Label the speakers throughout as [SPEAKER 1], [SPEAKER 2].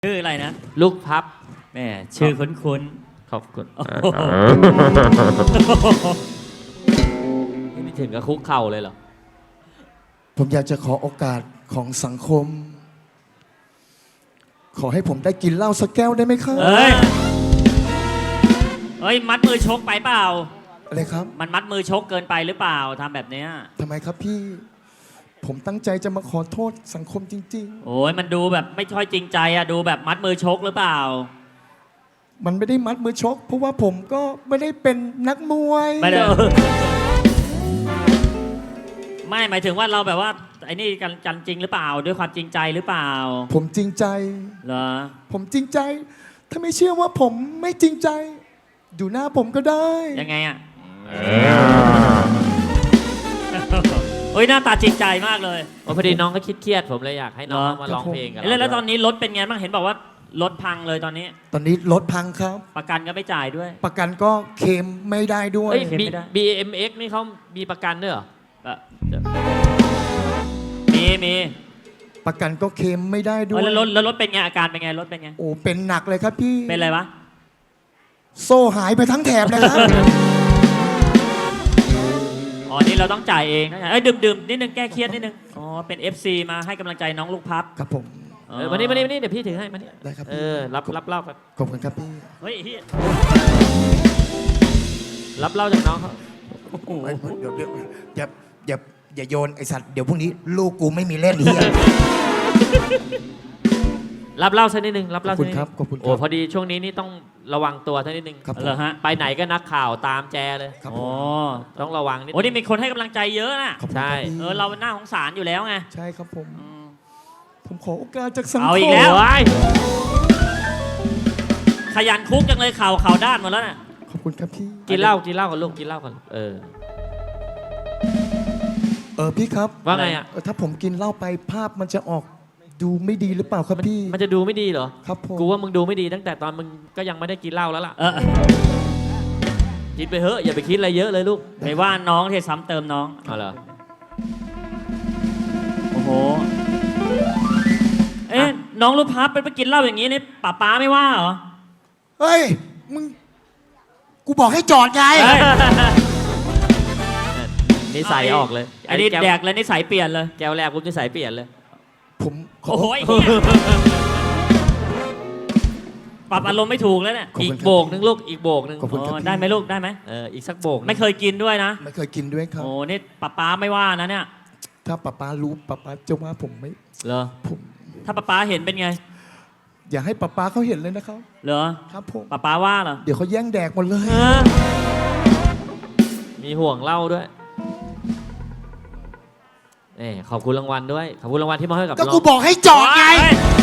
[SPEAKER 1] ชื่ออะไรนะ
[SPEAKER 2] ลูกพับ
[SPEAKER 1] แม่ชื่อคุ้น
[SPEAKER 2] ขอบคุณนี่ถึงกับคุกเข่าเลยเหรอ
[SPEAKER 3] ผมอยากจะขอโอกาสของสังคม ขอให้ผมได้กินเหล้าสักแก้วได้ไหมครับ
[SPEAKER 1] เฮ้ยมัดมือชกไปเปล่า
[SPEAKER 3] อะไรครับ
[SPEAKER 1] มันมัดมือชกเกินไปหรือเปล่าทำแบบเนี้ย
[SPEAKER 3] ทำไมครับพี่ ผมตั้งใจจะมาขอโทษสังคมจริง
[SPEAKER 1] ๆโอ้ยมันดูแบบไม่ค่อยจริงใจอะดูแบบมัดมือชกหรือเปล่า
[SPEAKER 3] มันไม่ได้มัดมือชกเพราะว่าผมก็ไม่ได้เป็นนักมวย
[SPEAKER 1] ไม่ได้ไม่หมายถึงว่าเราแบบว่าไอ้นี่กันจริงหรือเปล่าด้วยความจริงใจหรือเปล่า
[SPEAKER 3] ผมจริงใจ
[SPEAKER 1] เหรอ
[SPEAKER 3] ผมจริงใจถ้าไม่เชื่อว่าผมไม่จริงใจดูหน้าผมก็ได้
[SPEAKER 1] ยังไงอะโอ้ยหน้าตาจริงใจมากเลย
[SPEAKER 2] พอดีน้องก็คิดเครียดผมเลยอยากให้น้องมาร้องเพลงกัน
[SPEAKER 1] แล้วตอนนี้รถเป็นไงบ้างเห็นบอกว่ารถพังเลยตอนนี้
[SPEAKER 3] รถพังครับ
[SPEAKER 1] ประกันก็ไม่จ่ายด้วย
[SPEAKER 3] ประกันก็เคลมไม่ได้ด้วย
[SPEAKER 2] BMX นี่เขามีประกันด้วยเหรอ
[SPEAKER 1] มี
[SPEAKER 3] ประกันก็เคลมไม่ได้ด้วย
[SPEAKER 1] แล้วรถเป็นไงอาการเป็นไงรถเป็นไง
[SPEAKER 3] โอ้เป็นหนักเลยครับพี่
[SPEAKER 1] เป็นอะไรวะ
[SPEAKER 3] โซ่หายไปทั้งแถบเลยครับ
[SPEAKER 1] อ๋อนี่เราต้องจ่ายเองนะดื่มนิดนึงแก้เครียดนิดนึงอ๋อเป็น FC มาให้กำลังใจน้องลูกพับ
[SPEAKER 3] ครับผม
[SPEAKER 2] มานี่เดี๋ยวพี่ถือให้มานี่
[SPEAKER 3] ได้ครับ
[SPEAKER 2] รับเหล้าครับ
[SPEAKER 3] ขอบคุณครับพี่
[SPEAKER 1] เฮ้ย
[SPEAKER 2] รับเหล้าจากน้องเขา
[SPEAKER 3] เดี๋ยวอย่าโยนไอสัตว์เดี๋ยวพรุ่งนี้ลูกกูไม่มีเล่นเฮีย
[SPEAKER 2] รับเหล้าสักนิดนึงรับเหล้าสักนิดนึง
[SPEAKER 3] ครับขอบคุณ
[SPEAKER 2] โอ้พอดีช่วงนี้นี่ต้องระวังตัวสักนิดนึง
[SPEAKER 1] เหรอฮะ
[SPEAKER 2] ไปไหนก็นักข่าวตามแจเลย
[SPEAKER 3] ครับ
[SPEAKER 2] ต้องระวังนิด
[SPEAKER 1] โอ้นี่มีคนให้กำลังใจเยอะนะ
[SPEAKER 2] ใช่
[SPEAKER 1] เราหน้าของศาลอยู่แล้วไง
[SPEAKER 3] ใช่ครับผมขอโอกาสจากสังคม
[SPEAKER 1] เอาอีกแล้วขยันคุกจังเลยข่าวด้านหมดแล้วน่ะ
[SPEAKER 3] ขอบคุณครับพี่
[SPEAKER 2] กินเหล้ากันลูกกินเหล้ากัน
[SPEAKER 3] พี่ครับ
[SPEAKER 2] ว่าไงอ่ะ
[SPEAKER 3] ถ้าผมกินเหล้าไปภาพมันจะออกดูไม่ดีหรือเปล่าครับพี่
[SPEAKER 2] มันจะดูไม่ดีเหรอ
[SPEAKER 3] ครับผม
[SPEAKER 2] กูว่ามึงดูไม่ดีตั้งแต่ตอนมึงก็ยังไม่ได้กินเหล้าแล้วล่ะคิดไปเถอะอย่าไปคิดอะไรเยอะเลยลูก
[SPEAKER 1] ไม่ว่าน้องที่ซ้ำเติมน้อง
[SPEAKER 2] เอาเหรอ
[SPEAKER 1] โอ้โหน้องลูกพับไปกินเหล้าอย่างนี้นี่ป้าไม่ว่าเหรอ
[SPEAKER 3] เฮ้ยมึงกูบอกให้จอดไง
[SPEAKER 2] นิสัยออกเลย
[SPEAKER 1] อันนี้แดกแล้วนิสัยเปลี่ยนเลย
[SPEAKER 2] แก้วแรกปุ๊บนิสัยเปลี่ยนเลย
[SPEAKER 3] ผม
[SPEAKER 1] โอ้โหปรับอารมณ์ไม่ถูกแล้วเนี่ย
[SPEAKER 2] อีกโบกนึงลูกอีกโบกนึง
[SPEAKER 1] ได้ไหมลูกได้ไหม
[SPEAKER 2] อีกสักโบก
[SPEAKER 1] ไม่เคยกินด้วยนะ
[SPEAKER 3] ไม่เคยกินด้วยครับ
[SPEAKER 1] โอ้นี่ป้าไม่ว่านะเนี่ย
[SPEAKER 3] ถ้าป้ารู้ป้าจะว่าผมไม่
[SPEAKER 1] เหรอ
[SPEAKER 3] ผม
[SPEAKER 1] ถ้าป้าเห็นเป็นไง
[SPEAKER 3] อย่าให้ป้าเขาเห็นเลยนะครับ
[SPEAKER 1] เหรอ
[SPEAKER 3] ครับผม
[SPEAKER 1] ป้าว่าเหรอ
[SPEAKER 3] เดี๋ยวเขาแย่งแดกหมดเลย
[SPEAKER 2] มีห่วงเหล้าด้วยขอบคุณรางวัลด้วยขอบคุณรางวัลที่มอบให้กับ
[SPEAKER 3] ก็กูบอกให้จอดไง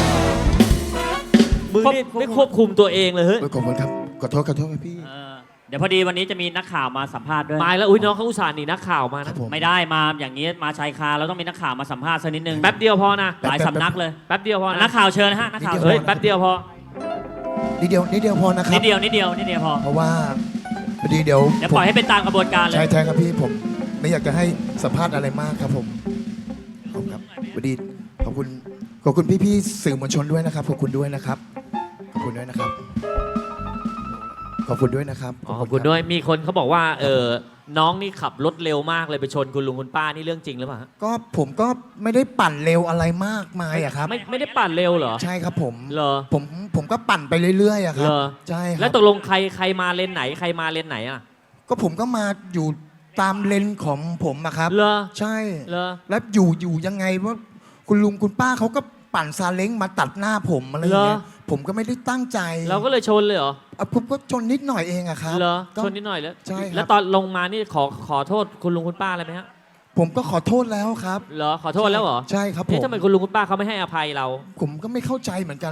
[SPEAKER 2] มึงนี่ไม่ควบคุมตัวเองเลยเฮ้ย
[SPEAKER 3] ขอบคุณครับขอโทษครับพี่
[SPEAKER 1] เดี๋ยวพอดีวันนี้จะมีนักข่าวมาสัมภาษณ์ด้วย
[SPEAKER 2] มาแล้วอุ้ยน้องเขาอุตส่าห์หนีนักข่าวมานะ
[SPEAKER 1] ไม่ได้มาอย่างนี้มาชายคาเราต้องมีนักข่าวมาสัมภาษณ์สักนิดนึง
[SPEAKER 2] แป๊บเดียวพอนะ
[SPEAKER 1] หลายสำนักเลย
[SPEAKER 2] แป๊บเดียวพอ
[SPEAKER 1] นักข่าวเชิญนะฮะนักข่าว
[SPEAKER 2] เฮ้ยแป๊บเดียวพอ
[SPEAKER 3] นิดเดียวพอนะครับ
[SPEAKER 1] นิดเดียวพอ
[SPEAKER 3] เพราะว่าพอดีเดี๋ยว
[SPEAKER 1] ปล่อยให้เป็นตามกระบวนการเลย
[SPEAKER 3] ใช่ครับพี่ผมไม่อยากจะให้สัมภาษณ์อะไรมากครับผมขอบคุณครับพอดีขอบคุณพี่สื่อมวลชนด้วยนะครับขอบคุณด้วยนะครับขอบคุณด้วยนะครับขอบคุณด้วยนะครับ
[SPEAKER 2] ขอบคุณด้วยมีคนเขาบอกว่าน้องนี่ขับรถเร็วมากเลยไปชนคุณลุงคุณป้านี่เรื่องจริงหรือเปล่า
[SPEAKER 3] ก็ผมก็ไม่ได้ปั่นเร็วอะไรมากมายอะครับ
[SPEAKER 2] ไม่ได้ปั่นเร็วเหรอ
[SPEAKER 3] ใช่ครับผม
[SPEAKER 2] เหรอ
[SPEAKER 3] ผมก็ปั่นไปเรื่อยๆอะครับใช่
[SPEAKER 2] แล้วตกลงใครมาเลนไหนใครมาเลนไหนอะ
[SPEAKER 3] ก็ผมก็มาอยู่ตามเลนของผมอะครับ
[SPEAKER 2] เหรอ
[SPEAKER 3] ใช่
[SPEAKER 2] เหรอ
[SPEAKER 3] แล้วอยู่ยังไงว่าคุณลุงคุณป้าเขาก็ปั่นซาเล้งมาตัดหน้าผมอะไรอย่างเงี้ยผมก็ไม่ได้ตั้งใจ
[SPEAKER 2] เราก็เลยชนเลยเหรอ
[SPEAKER 3] ผมก็ชนนิดหน่อยเองอะครับ
[SPEAKER 2] เหรอชนนิดหน่อยแล้ว
[SPEAKER 3] ใช่
[SPEAKER 2] แล้วตอนลงมานี่ขอโทษคุณลุงคุณป้าอะไรไหมฮะ
[SPEAKER 3] ผมก็ขอโทษแล้วครับ
[SPEAKER 2] เหรอขอโทษแล้วเหรอ
[SPEAKER 3] ใช่ครับผม
[SPEAKER 2] ทำไมคุณลุงคุณป้าเขาไม่ให้อภัยเรา
[SPEAKER 3] ผมก็ไม่เข้าใจเหมือนกัน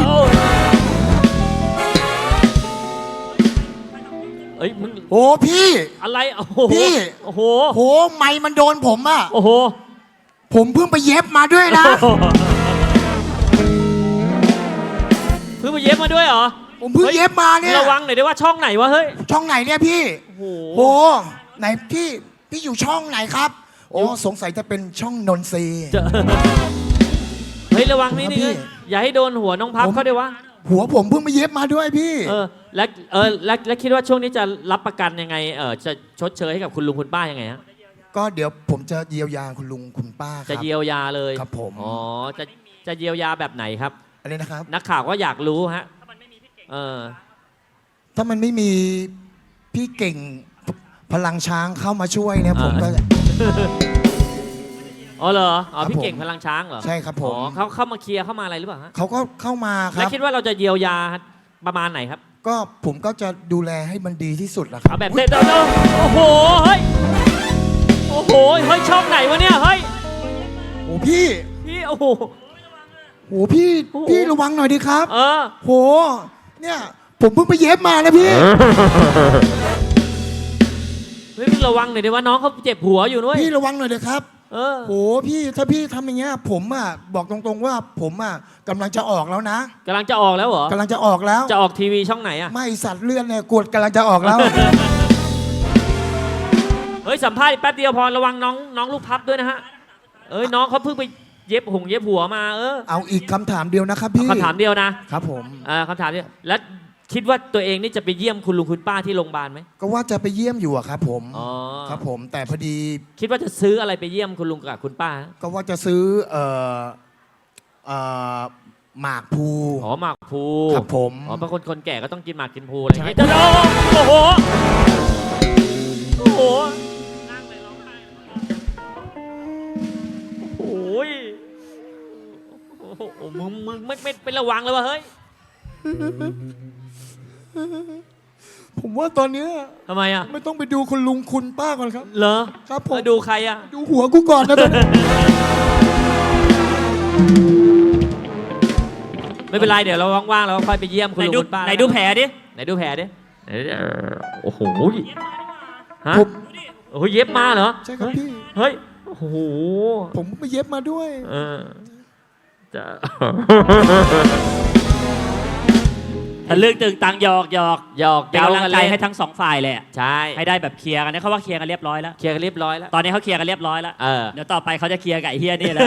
[SPEAKER 2] เอ้ยมึง
[SPEAKER 3] โอ้พี่
[SPEAKER 2] อะไรโอ้โห
[SPEAKER 3] พี่
[SPEAKER 2] โอ้โห
[SPEAKER 3] ไม้มันโดนผมอะ
[SPEAKER 2] โอ้โห
[SPEAKER 3] ผมเพิ่งไปเย็บมาด้วยนะ
[SPEAKER 2] เพิ่งไปเย็บมาด้วยเหรอ
[SPEAKER 3] ผมเพิ่งเย็บมาเนี่ย
[SPEAKER 2] ระวังหน่อยได้ว่าช่องไหนวะเฮ้ย
[SPEAKER 3] ช่องไหนเนี่ยพี่
[SPEAKER 2] โ
[SPEAKER 3] หไหนพี่อยู่ช่องไหนครับโอ้สงสัยจะเป็นช่องนนทรี
[SPEAKER 2] เฮ้ยระวังนี่นี่
[SPEAKER 3] พี่
[SPEAKER 2] อย่าให้โดนหัวน้องพับเขาด้วยวะ
[SPEAKER 3] หัวผมเพิ่งมาเย็บมาด้วยพี่
[SPEAKER 2] แล้วคิดว่าช่วงนี้จะรับประกันยังไงจะชดเชยให้กับคุณลุงคุณป้ายังไงฮะ
[SPEAKER 3] ก็เดี๋ยวผมจะเยียวยาคุณลุงคุณป้าครับ
[SPEAKER 2] จะเยียวยาเลย
[SPEAKER 3] ครับผม
[SPEAKER 2] อ๋อจะเยียวยาแบบไหนครับ
[SPEAKER 3] อะไรนะครับ
[SPEAKER 2] นักข่าวก็อยากรู้ฮะเออ
[SPEAKER 3] ถ้ามันไม่มีพี่เก่งพลังช้างเข้ามาช่วยเนี่ยผมก็
[SPEAKER 2] อ๋อเหรออ๋อ
[SPEAKER 3] ครับ
[SPEAKER 2] พี่
[SPEAKER 3] ผม
[SPEAKER 2] เก่งพลังช้างเหรอ
[SPEAKER 3] ใช่ครับผ
[SPEAKER 2] อ๋อ
[SPEAKER 3] ม
[SPEAKER 2] เขาเข้ามาเคลียร์เข้ามาอะไรหรือเปล่าฮะ
[SPEAKER 3] เขาก็เข้ามาค
[SPEAKER 2] แล้ว
[SPEAKER 3] รับ
[SPEAKER 2] คิดว่าเราจะเยียวยาประมาณไหนครับ
[SPEAKER 3] ก็ผมก็จะดูแลให้มันดีที่สุดแหละครั
[SPEAKER 2] เอา
[SPEAKER 3] บ
[SPEAKER 2] แบบเด็ดโอ้โหเฮ้ยโอ้โหเฮ้ยช่องไหนวะเนี่ยเฮ้ย
[SPEAKER 3] โอ้พี่
[SPEAKER 2] พี่โอ้โห
[SPEAKER 3] โอ้พี่
[SPEAKER 2] โอ้โห
[SPEAKER 3] พี่ระวังหน่อยดิครับ
[SPEAKER 2] เออ
[SPEAKER 3] โหเนี่ยผมเพิ่งไปเย็บมานะพี่
[SPEAKER 2] เฮ้ยมึงระวังหน่อยดิว่าน้องเขาเจ็บหัวอยู่ด้วย
[SPEAKER 3] พี่ระวังหน่อยเลยครับ
[SPEAKER 2] เออ
[SPEAKER 3] โหพี่ถ้าพี่ทำอย่างเงี้ยผมอ่ะบอกตรงๆว่าผมอ่ะกำลังจะออกแล้วนะ
[SPEAKER 2] กำลังจะออกแล้วเหรอก
[SPEAKER 3] ำลังจะออกแล้ว
[SPEAKER 2] จะออกทีวีช่องไหนอะ
[SPEAKER 3] ไม่สัตว์เลื่อนเนี่ยกวดกำลังจะออกแล้ว
[SPEAKER 2] เฮ้ยสัมภาษณ์อีกแป๊บเดียวพอระวังน้องลูกพับด้วยนะฮะเอ้ยน้องเขาเพิ่งไปเย็บหัวมา
[SPEAKER 3] เอาอีกคำถามเดียวนะครับพี่
[SPEAKER 2] คำถามเดียวนะครับ
[SPEAKER 3] ผม
[SPEAKER 2] คำถามเดียวแล้วคิดว่าตัวเองนี่จะไปเยี่ยมคุณลุงคุณป้าที่โรงพยาบาลไหม
[SPEAKER 3] ก็ว่าจะไปเยี่ยมอยู่อะครับผม
[SPEAKER 2] อ๋อ
[SPEAKER 3] ครับผมแต่พอดี
[SPEAKER 2] คิดว่าจะซื้ออะไรไปเยี่ยมคุณลุงกับคุณป้าฮะ
[SPEAKER 3] ก็ว่าจะซื้อหมากพลู
[SPEAKER 2] อ๋อหมากพลู
[SPEAKER 3] ครับผม
[SPEAKER 2] อ๋อบางคนแก่ก็ต้องกินหมากกินพลูอะไรอย่างเงี้ย
[SPEAKER 3] ใช่
[SPEAKER 2] โอ้โหโอ้โหโอ้ยโอ้โหมึงไม่เป็นระวังเลยวะเฮ้ย
[SPEAKER 3] ผมว่าตอนเนี้ย
[SPEAKER 2] ทำไมอ่ะ
[SPEAKER 3] ไม่ต้องไปดูคุณลุงคุณป้าก่อนครับ
[SPEAKER 2] เหรอ
[SPEAKER 3] ครับผม
[SPEAKER 2] แล้วดูใครอ่ะ
[SPEAKER 3] ดูหัวกูก่อนนะตอนนี้
[SPEAKER 2] ไม่เป็นไรเดี๋ยวเราว่างๆเราค่อยไปเยี่ยมคุณลุงคุณป้า
[SPEAKER 1] ไหนดูแผลดิ
[SPEAKER 2] ไหนดูแผลดิไหนดูโอ้โหฮะ
[SPEAKER 3] ผม
[SPEAKER 2] โอ้โหเย็บมาเหรอ
[SPEAKER 3] ใช่ครับพี่
[SPEAKER 2] เฮ้ยโอ้โห
[SPEAKER 3] ผมไปเย็บมาด้วย
[SPEAKER 2] จะ
[SPEAKER 1] ทะลึ่งตึงตังหยอก
[SPEAKER 2] หยอก
[SPEAKER 1] เป็นกำลังใจให้ทั้งสองฝ่ายเลยอะ
[SPEAKER 2] ใช่
[SPEAKER 1] ให้ได้แบบเคลียร์กันเนี่ยเขาว่าเคลียร์กันเรียบร้อยแล้ว
[SPEAKER 2] เคลียร์กันเรียบร้อยแล้ว
[SPEAKER 1] ตอนนี้เขาเคลียร์กันเรียบร้อยแล้ว เดี๋ยวต่อไปเขาจะเคลียร์กับไอ้เฮียนี่แหล้ว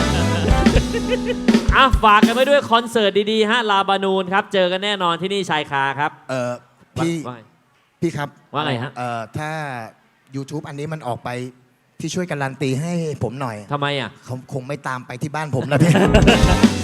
[SPEAKER 2] ฝากกันไว้ด้วยคอนเสิร์ตดีๆฮะลาบานูนครับ เจอกันแน่นอนที่นี่ชายคาครับ
[SPEAKER 3] พี่
[SPEAKER 2] ว่า
[SPEAKER 3] พี่ครับ
[SPEAKER 2] ว่าไงฮะ
[SPEAKER 3] ถ้า YouTube อันนี้มันออกไปพี่ช่วยการันตีให้ผมหน่อย
[SPEAKER 2] ทำไมอ่ะ
[SPEAKER 3] เขาคงไม่ตามไปที่บ้านผมนะพี่